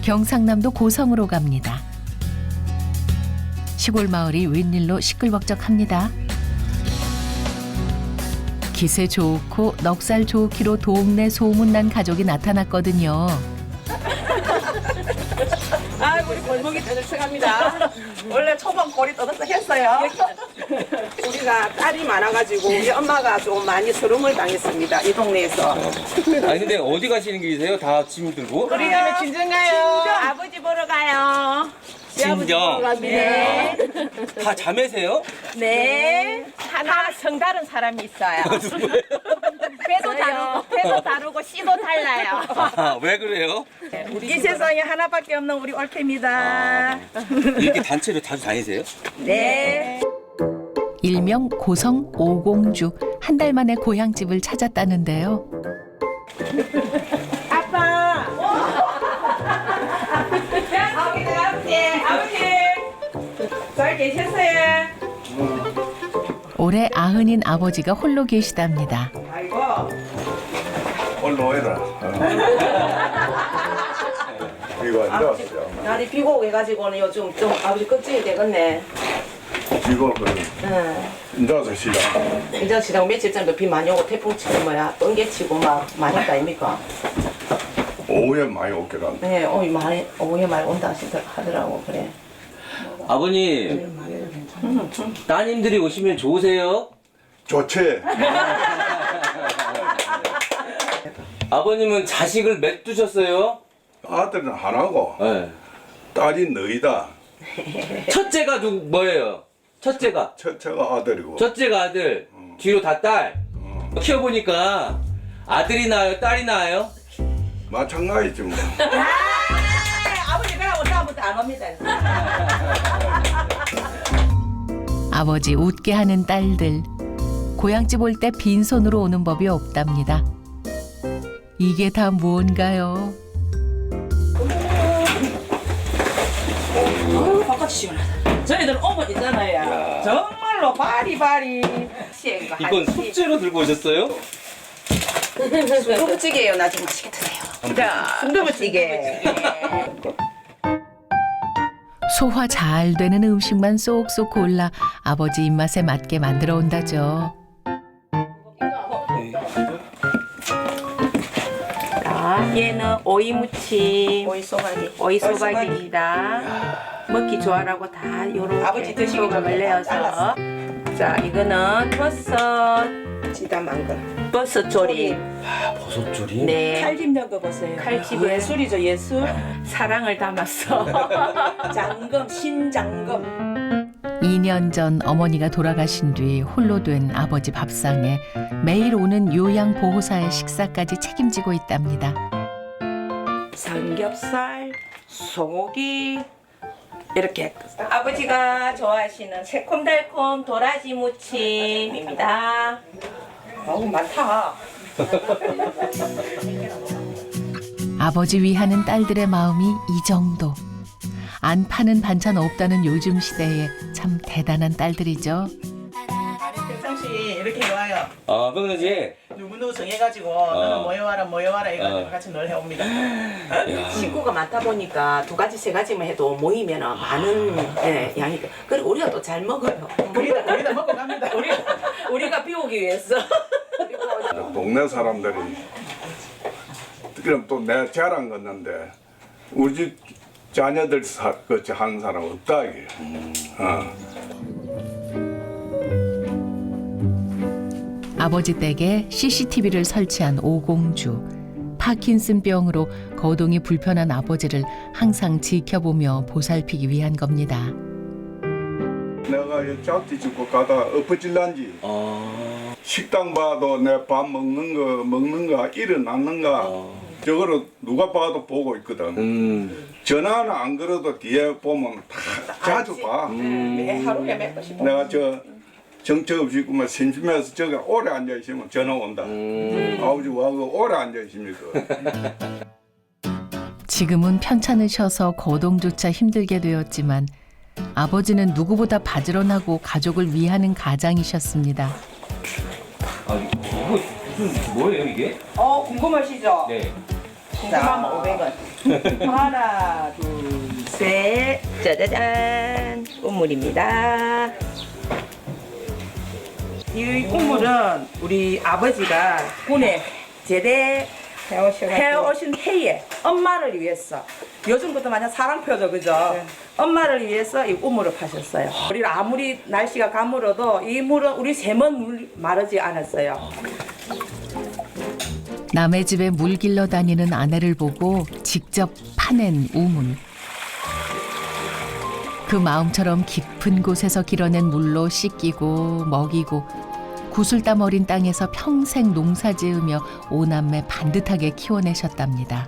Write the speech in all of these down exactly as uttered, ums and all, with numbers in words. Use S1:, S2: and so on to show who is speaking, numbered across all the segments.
S1: 경상남도 고성으로 갑니다. 시골 마을이 웬일로 시끌벅적합니다. 기세 좋고 넉살 좋기로 동네 소문난 가족이 나타났거든요.
S2: 아, 우리 골목이 떠들썩합니다. 원래 초반 골이 떠들썩했어요. 우리가 딸이 많아가지고 우리 엄마가 좀 많이 서름을 당했습니다. 이 동네에서.
S3: 아니 근데 어디 가시는 길이세요? 다 짐 들고?
S2: 우리가 친정 가요. 아버지 보러 가요.
S3: 친정.
S2: 네.
S3: 다 자매세요?
S2: 네. 하나 성다른 사람이 있어요.
S3: 누구예요?
S2: 배도 다르고 배도 다르고 씨도 달라요.
S3: 아, 왜 그래요?
S2: 이 세상에 하나밖에 없는 우리 올케입니다.
S3: 이렇게 단체로 자주 다니세요?
S2: 네.
S1: 일명 고성 오공주. 한 달 만에 고향집을 찾았다는데요.
S2: 아빠. 아버지, 아버지, 아버지. 잘 계셨어요?
S1: 올해 아흔인 아버지가 홀로 계시답니다.
S2: 아이고.
S4: 올라오라. 이거 안
S2: 아버지,
S4: 좋았어요.
S2: 날이 비고 오고 해가지고는 요즘 좀 아버지 껍질이 되겠네.
S4: 이거 그
S2: 응.
S4: 인자서 시작.
S2: 이제 시장 며칠 전에 비 많이 오고 태풍 치고 뭐야 번개 치고 막 많이 했다 아닙니까?
S4: 오후에 많이 오기로 한다.
S2: 네, 어 많이 오후에 많이 온다 하시더- 하더라고 그래.
S3: 아버님, 따님들이 오시면 좋으세요?
S4: 좋지.
S3: 아버님은 자식을 몇 두셨어요?
S4: 아들은 하나고
S3: 네.
S4: 딸이 너희다.
S3: 첫째가 누 뭐예요? 첫째가
S4: 첫째가 아들이고.
S3: 첫째가 아들, 뒤로 다 딸. 키워보니까 아들이 나아요, 딸이 나아요?
S4: 마찬가지지 뭐.
S2: 아버지 그러고 다음부터 안 옵니다.
S1: 아버지 웃게 하는 딸들. 고향집 올 때 빈손으로 오는 법이 없답니다. 이게 다 뭔가요?
S2: 어, 바깥이 시원하다. 저희들 오면 있잖아요. 정말로 바리바리.
S3: 이건 숙제로 들고 오셨어요?
S2: 순두부찌개예요. 나중에 맛있게 드세요. 자, 순두부찌개.
S1: 소화 잘 되는 음식만 쏙쏙 골라 아버지 입맛에 맞게 만들어 온다죠.
S2: 자, 얘는 오이 무침, 오이 소박이, 오이 소박이입니다. 먹기 좋아라고 다 요렇게 아버지 드시기 좀 내어서. 자, 이거는 버섯 지담한 거. 버섯 조림.
S3: 아, 버섯조림?
S2: 네.
S5: 칼집 넣은 보세요.
S2: 칼집을-
S5: 예술이죠, 예술.
S2: 사랑을 담았어.
S5: 장금, 신장금.
S1: 이 년 전 어머니가 돌아가신 뒤 홀로 된 아버지 밥상에 매일 오는 요양보호사의 식사까지 책임지고 있답니다.
S2: 삼겹살, 소고기 이렇게 아버지가 좋아하시는 새콤달콤 도라지 무침입니다. 어우 많다.
S1: 아버지 위하는 딸들의 마음이 이 정도. 안 파는 반찬 없다는 요즘 시대에 참 대단한 딸들이죠.
S5: 평상시 이렇게 와요.
S3: 아, 평상시에?
S5: 누구누구 정해가지고 너는 모여와라 모여와라 이거
S3: 어.
S5: 같이 널 해옵니다.
S2: 식구가 많다 보니까 두 가지 세 가지만 해도 모이면 많은 예, 양이 그리고 우리가 또 잘 먹어요.
S5: 우리다 우리다 먹고 갑니다.
S2: 우리 우리가 비우기 위해서.
S4: 동네 사람들이 그럼 또 내 자랑 건는데 우리 집 자녀들 사, 같이 하는 사람 없다 이게. 어.
S1: 아버지 댁에 씨씨티비를 설치한 오공주. 파킨슨병으로 거동이 불편한 아버지를 항상 지켜보며 보살피기 위한 겁니다.
S4: 내가 이 짝지 짓고 가다 엎어질란지
S3: 아,
S4: 식당 봐도 내 밥 먹는 거 먹는가 일어났는가
S3: 어.
S4: 저거를 누가 봐도 보고 있거든.
S3: 음,
S4: 전화는 안 걸어도 뒤에 보면 다 자주 봐.
S5: 매 하루에 몇 번씩.
S4: 내가 저 정처 없이 그만 심심해서 저기 오래 앉아 있으면 전화 온다.
S3: 음.
S4: 아버지 와그 오래 앉아 있습니까?
S1: 지금은 편찮으셔서 거동조차 힘들게 되었지만 아버지는 누구보다 바지런하고 가족을 위하는 가장이셨습니다.
S3: 아, 이거 무슨 뭐예요 이게?
S5: 어 궁금하시죠?
S3: 네.
S5: 궁금하면 오백 원.
S2: 하나, 둘, 셋. 짜자잔. 우물입니다. 이 우물은 우리 아버지가 군에 제대 해오신 해에 엄마를 위해서 요즘 것도 마냥 사랑표죠, 그죠? 엄마를 위해서 이 우물을 파셨어요. 우리 아무리 날씨가 가물어도 이 물은 우리 샘은 물 마르지 않았어요.
S1: 남의 집에 물 길러 다니는 아내를 보고 직접 파낸 우물. 그 마음처럼 깊은 곳에서 길어낸 물로 씻기고 먹이고 구슬땀 어린 땅에서 평생 농사 지으며 오남매 반듯하게 키워내셨답니다.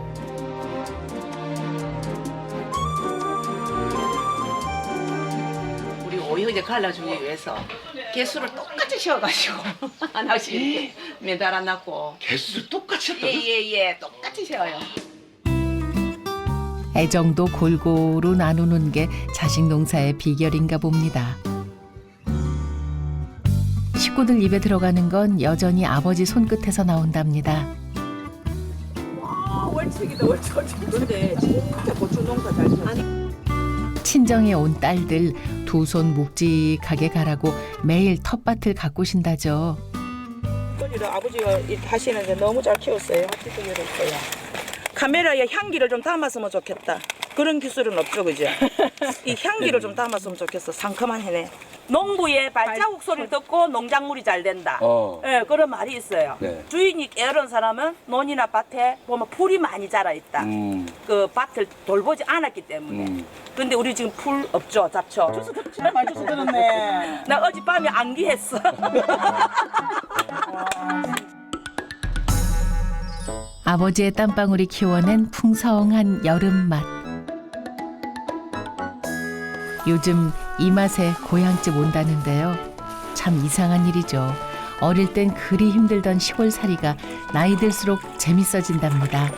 S2: 우리 오형제 갈라주기 위해서 개수를 똑같이 씌워가지고 하나씩 이렇게 매달아놨고
S3: 개수를 똑같이 했다고요?
S2: 예예예 똑같이 씌워요.
S1: 애정도 골고루 나누는 게 자식 농사의 비결인가 봅니다. 식구들 입에 들어가는 건 여전히 아버지 손끝에서 나온답니다.
S2: 월척이다 월척. 근데 진짜 고추 농사 잘 지었어.
S1: 친정에 온 딸들 두 손 묵직하게 가라고 매일 텃밭을 가꾸신다죠.
S2: 소리를 아버지가 이- 하시는데 너무 잘 키웠어요. 앞뒤도 열었어요. 카메라에 향기를 좀 담았으면 좋겠다. 그런 기술은 없죠, 그죠? 이 향기를 좀 담았으면 좋겠어. 상큼한 해네. 농부의 발자국 소리를 듣고 농작물이 잘 된다.
S3: 어.
S2: 예, 그런 말이 있어요.
S3: 네.
S2: 주인이 게으른 사람은 논이나 밭에 보면 풀이 많이 자라 있다.
S3: 음.
S2: 그 밭을 돌보지 않았기 때문에.
S3: 음.
S2: 근데 우리 지금 풀 없죠, 잡초. 주스
S5: 진짜 많이 주스 들었네.
S2: 나 어젯밤에 안기했어.
S1: 아버지의 땀방울이 키워낸 풍성한 여름맛. 요즘 이 맛에 고향집 온다는데요. 참 이상한 일이죠. 어릴 땐 그리 힘들던 시골살이가 나이 들수록 재밌어진답니다.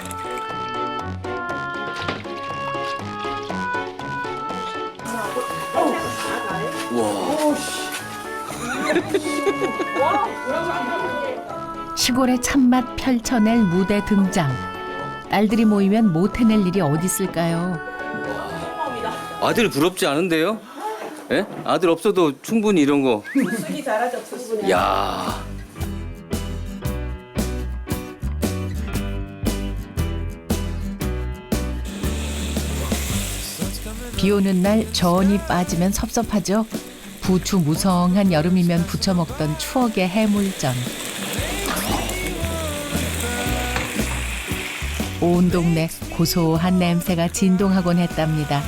S1: 시골의 참맛 펼쳐낼 무대 등장. 딸들이 모이면 못 해낼 일이 어디 있을까요?
S3: 아들 부럽지 않은데요? 예? 아들 없어도 충분히 이런 거.
S2: 쓰기 잘하죠, 수분이.
S3: 야.
S1: 비 오는 날 전이 빠지면 섭섭하죠. 부추 무성한 여름이면 부쳐 먹던 추억의 해물전. 온 동네 고소한 냄새가 진동하곤 했답니다.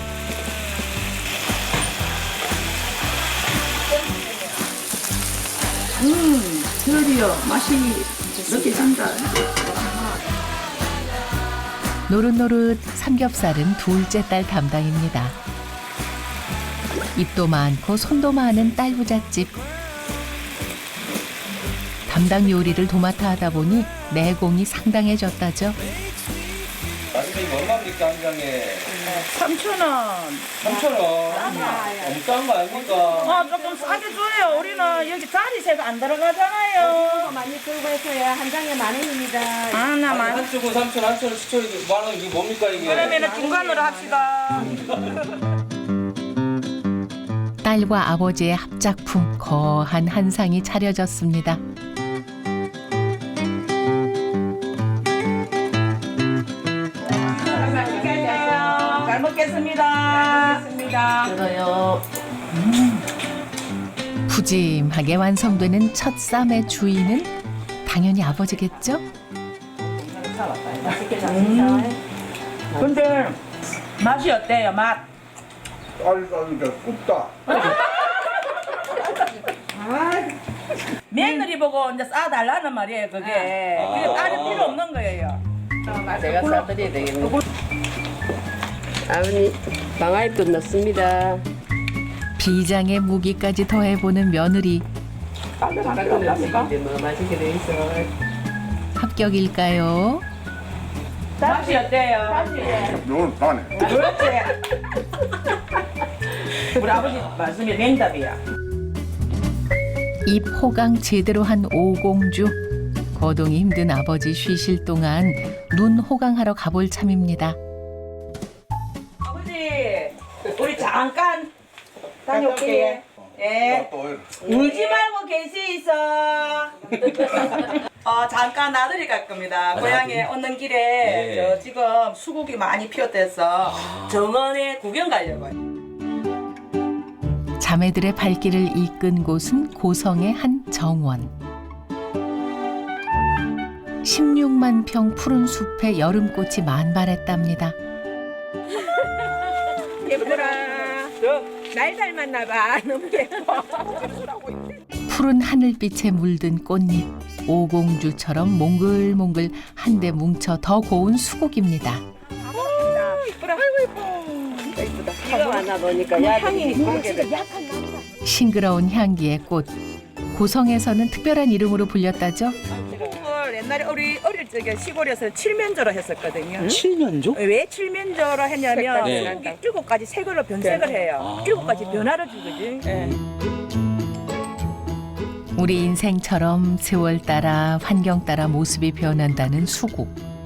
S2: 드디어 맛이 느껴진다.
S1: 노릇노릇 삼겹살은 둘째 딸 담당입니다. 입도 많고 손도 많은 딸 부잣집. 담당 요리를 도맡아 하다 보니 내공이 상당해졌다죠.
S3: 아버님 얼마입니까 한 장에?
S2: 삼천 원.
S3: 삼천 원. 너무 싼 거 아닙니까?
S2: 아, 조금 싸게 줘요. 우리는 여기 자리세가 안 들어가잖아요.
S6: 많이 들고 해서요. 한 장에 만 원입니다.
S2: 아, 나 많이.
S3: 한쪽은 삼천, 한쪽은 시초이 만 원, 이게 뭡니까 이게?
S2: 그러면은 중간으로 합시다.
S1: 딸과 아버지의 합작품 거한 한 상이 차려졌습니다.
S2: 잘 먹겠습니다. 먹겠습니다.
S1: 푸짐하게 완성되는 첫 쌈의 주인은 당연히 아버지겠죠?
S2: 근데 맛이 어때요? 맛?
S4: 쌀쌀이가 굽다.
S2: 며느리 보고 이제 싸달라는 말이에요, 그게.
S3: 아.
S2: 그게 다른 필요 없는 거예요.
S6: 제가 싸드려야 되겠네. 아버님, 방아잎도 넣습니다.
S1: 비장의 무기까지 더해보는 며느리.
S6: 근데 뭐 맛있게 돼 있어.
S1: 합격일까요?
S2: 맛이 어때요?
S4: 이건 싸네.
S2: 그렇지. 우리 아버지 말씀이 맹답이야.
S1: 입 호강 제대로 한 오공주. 거동이 힘든 아버지 쉬실 동안 눈 호강하러 가볼 참입니다.
S5: 아버지, 우리 잠깐 다녀올게. 예. 울지 말고 계시 있어. 어, 잠깐 나들이 갈 겁니다. 고향에 오는 길에
S3: 네.
S5: 저 지금 수국이 많이 피었대서 정원에 구경 가려고요.
S1: 자매들의 발길을 이끈 곳은 고성의 한 정원. 십육만 평 푸른 숲에 여름꽃이 만발했답니다.
S2: 예쁘라. 날 닮았나 봐. 너무 예뻐.
S1: 푸른 하늘빛에 물든 꽃잎. 오공주처럼 몽글몽글 한데 뭉쳐 더 고운 수국입니다.
S6: 비가 왔나 보니까 야들이 이쁘게 됐
S1: 싱그러운 향기의 꽃. 고성에서는 특별한 이름으로 불렸다죠.
S5: 수국을 옛날에 우리 어릴 적에 시골에서 칠면조로 했었거든요.
S3: 칠면조?
S5: 왜 칠면조로 했냐면
S3: 네.
S5: 수국이 일곱 가지 색으로 변색을 해요. 일곱 가지 변화를 주거든.
S1: 우리 인생처럼 세월 따라 환경 따라 모습이 변한다는 수국.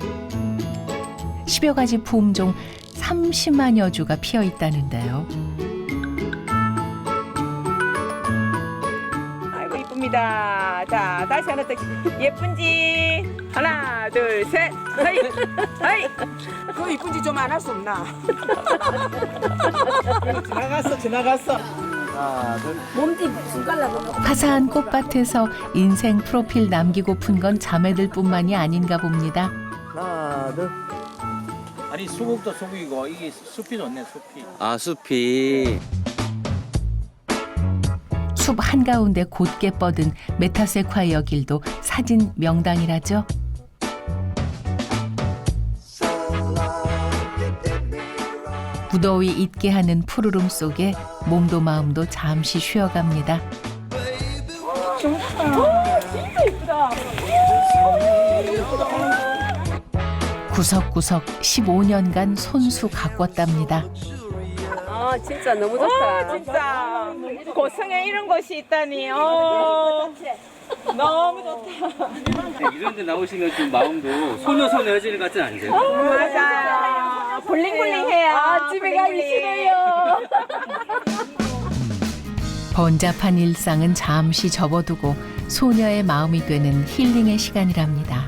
S1: 십여 가지 품종 삼십만여 주가 피어 있다는데요.
S2: 아이고 이쁩니다. 자 다시 하나 더 예쁜지 하나 둘 셋. 하이 하이. 그 이쁜지 좀 안 할 수 없나?
S5: 지나갔어, 지나갔어.
S1: 화사한 꽃밭에서 인생 프로필 남기고픈 건 자매들뿐만이 아닌가 봅니다.
S7: 아니 수국도 수국이고 이게 숲이 좋네 숲이.
S3: 아 숲이.
S1: 숲 한가운데 곧게 뻗은 메타세콰이어 길도 사진 명당이라죠. 무더위 잊게 하는 푸르름 속에 몸도 마음도 잠시 쉬어갑니다. 구석구석 십오 년간 손수 가꿨답니다.
S6: 아 진짜 너무 좋다.
S2: 진짜 고성에 이런 곳이 있다니. 어, 너무 좋다.
S3: 이런 데 나오시면 좀 마음도 소녀소녀해지는 것 같진 않으세요?
S2: 맞아요. 블링블링해요. 아, 집에 가기 싫어요.
S1: 번잡한 일상은 잠시 접어두고 소녀의 마음이 되는 힐링의 시간이랍니다.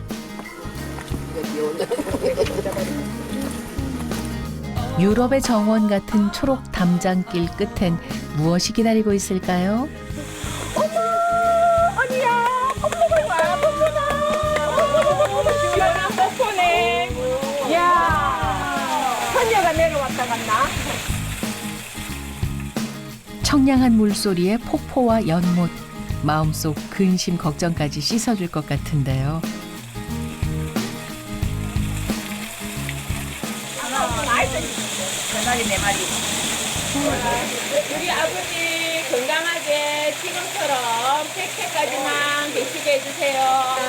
S1: 유럽의 정원 같은 초록 담장길 끝엔 무엇이 기다리고 있을까요?
S2: 시원한 폭포네. 이야, 선녀가 내려왔다 갔나?
S1: 청량한 물소리에 폭포와 연못, 마음속 근심 걱정까지 씻어줄 것 같은데요.
S5: 네 마리, 네 마리.
S2: 우리 아버지 건강하게 지금처럼 백 세까지만 계시게 해주세요.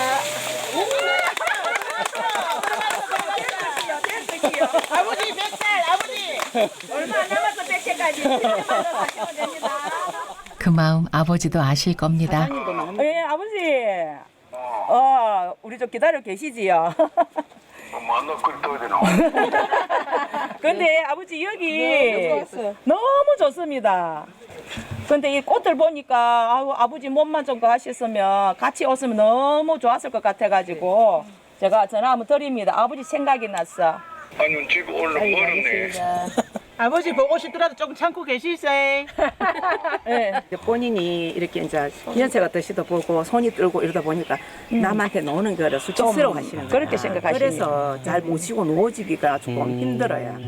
S2: 아버지 백 살, 아버지 얼마 안 남았어 백 세까지. 가시면 됩니다.
S1: 그 마음 아버지도 아실 겁니다.
S5: 예, 아버지. 어, 우리 좀 기다려 계시지요.
S4: 만나 그리 떠야 되나?
S5: 근데 아버지 여기 너무 좋습니다. 근데 이 꽃을 보니까 아우, 아버지 몸만 좀 하셨으면 같이 오시면 너무 좋았을 것 같아가지고 제가 전화 한번 드립니다. 아버지 생각이 났어.
S4: 아니 집 올라 멀었네.
S5: 아버지 보고 싶더라도 조금 참고 계시세요. 네. 본인이 이렇게 이제 연세가 드시다 보고 손이 떨고 이러다 보니까 남한테 노는 거를 수치스러워 하시는 거예요. 그렇게 생각하시는 그래서 잘 모시고 놓아주기가 조금 힘들어요.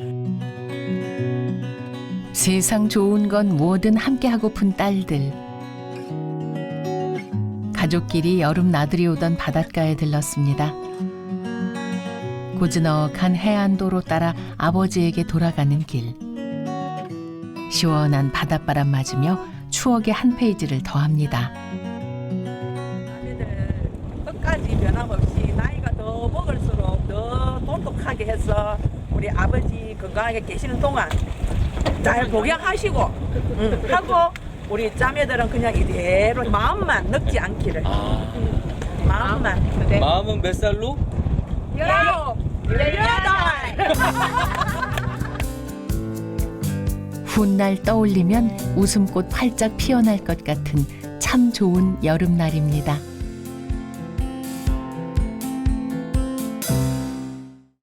S1: 세상 좋은 건 뭐든 함께 하고픈 딸들. 가족끼리 여름 나들이 오던 바닷가에 들렀습니다. 고즈넉한 해안도로 따라 아버지에게 돌아가는 길. 시원한 바닷바람 맞으며 추억의 한 페이지를 더합니다.
S5: 끝까지 변함없이 나이가 더 먹을수록 더 돈독하게 해서 우리 아버지 건강하게 계시는 동안 잘 복양하시고 응, 하고 우리 자매들은 그냥 이대로 마음만 늙지 않기를.
S2: 마음만. 네.
S3: 마음은 몇 살로?
S1: 훗날 떠올리면 웃음꽃 활짝 피어날 것 같은 참 좋은 여름날입니다.